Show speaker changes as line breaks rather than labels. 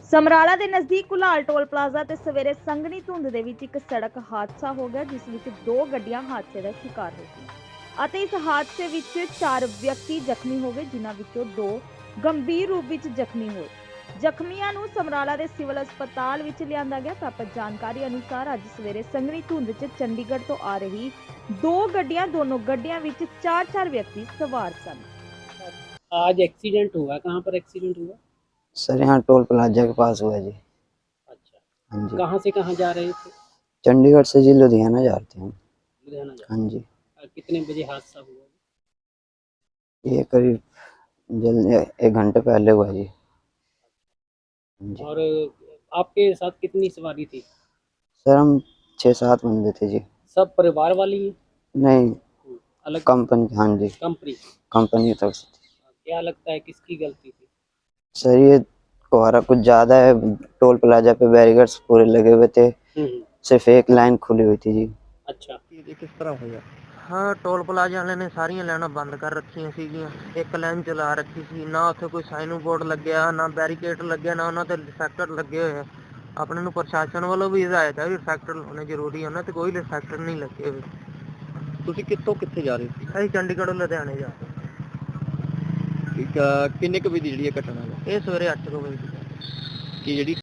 ਸਮਰਾਲਾ ਦੇ ਨਜ਼ਦੀਕ ਕੁਲਾਲ toll plaza ਤੇ ਸਵੇਰੇ ਸੰਘਣੀ ਧੁੰਦ ਦੇ ਵਿੱਚ ਇੱਕ ਸੜਕ ਹਾਦਸਾ ਹੋ ਗਿਆ, ਜਿਸ ਵਿੱਚ ਦੋ ਗੱਡੀਆਂ ਹਾਦਸੇ ਦਾ ਸ਼ਿਕਾਰ ਹੋ ਗਈਆਂ ਅਤੇ ਇਸ ਹਾਦਸੇ ਵਿੱਚ 4 ਵਿਅਕਤੀ ਜ਼ਖਮੀ ਹੋ ਗਏ, ਜਿਨ੍ਹਾਂ ਵਿੱਚੋਂ 2 ਗੰਭੀਰ ਰੂਪ ਵਿੱਚ ਜ਼ਖਮੀ ਹੋਏ। ਜ਼ਖਮੀਆਂ ਨੂੰ ਸਮਰਾਲਾ ਦੇ ਸਿਵਲ ਹਸਪਤਾਲ ਵਿੱਚ ਲਿਆਂਦਾ ਗਿਆ। ਪ੍ਰਾਪਤ ਜਾਣਕਾਰੀ ਅਨੁਸਾਰ ਅੱਜ ਸਵੇਰੇ ਸੰਘਣੀ ਧੁੰਦ 'ਚ ਚੰਡੀਗੜ੍ਹ ਤੋਂ ਆ ਰਹੀ दोनों गड्डियां ਵਿੱਚ 4 व्यक्ति सवार सन।
आज एक्सीडेंट हुआ, कहाँ पर एक्सीडेंट हुआ?
सर यहाँ टोल प्लाजा के पास हुआ जी।
अच्छा,
हाँ जी।
कहाँ से कहाँ जा रहे थे?
चंडीगढ़ से जी लुधियाना जा रहे थे हम।
लुधियाना जा
हाँ जी।
कितने बजे हादसा हुआ?
ये करीब जल्द 1 घंटे पहले हुआ जी। हाँ जी।
और आपके साथ कितनी सवारी थी?
सर हम 6-7 बंदे थे जी।
सब परिवार वाली ही?
नहीं,
अलग
कंपनी। हाँ जी,
कंपनी?
कंपनी की तरफ से थी।
क्या लगता है किसकी गलती थी?
सर ये कोहरा कुछ ज़्यादा है, टोल प्लाजा पे बैरिकेड्स पूरे लगे हुए थे, सिर्फ एक लाइन खुली हुई थी जी।
अच्छा, ये किस तरह हुआ?
ਹਾਂ ਟੋਲ ਪਲਾਜ਼ਾ ਵਾਲਿਆਂ ਨੇ ਸਾਰੀਆਂ ਲਾਈਨਾਂ ਬੰਦ ਕਰ ਰੱਖੀਆਂ ਸੀਗੀਆਂ, ਇੱਕ ਲਾਈਨ ਚਲਾ ਰੱਖੀ ਸੀ, ਨਾ ਉੱਥੇ ਕੋਈ ਸਾਈਨ ਬੋਰਡ ਲੱਗਿਆ, ਨਾ ਬੈਰੀਕੇਡ ਲੱਗਿਆ, ਨਾ ਉਹਨਾਂ ਤੇ ਰਿਫਲੈਕਟਰ ਲੱਗੇ ਹੋਏ ਆ। ਆਪਣੇ ਨੂੰ ਪ੍ਰਸ਼ਾਸਨ ਵੱਲੋਂ ਵੀ ਹਦਾਇਤ ਹੈ ਵੀ ਰਿਫਲੈਕਟਰ ਲਾਉਣੇ ਜ਼ਰੂਰੀ ਆ, ਉਹਨਾਂ ਤੇ ਕੋਈ ਰਿਫਲੈਕਟਰ ਨਹੀਂ ਲੱਗੇ ਹੋਏ।
ਤੁਸੀਂ ਕਿੱਥੋਂ ਕਿੱਥੇ ਜਾ ਰਹੇ ਸੀ?
ਅਸੀਂ ਚੰਡੀਗੜ੍ਹੋਂ ਲੁਧਿਆਣੇ ਜਾ ਰਹੇ
ਠੀਕ ਆ, ਕਿੰਨੇ ਕੁ ਵਜੇ ਦੀ ਜਿਹੜੀ ਇਹ ਘਟਨਾ ਹੈ?
ਇਹ ਸਵੇਰੇ 8 ਵਜੇ ਦੀ ਗੱਲ ਹੈ।
ਕਿ ਜਿਹੜੀ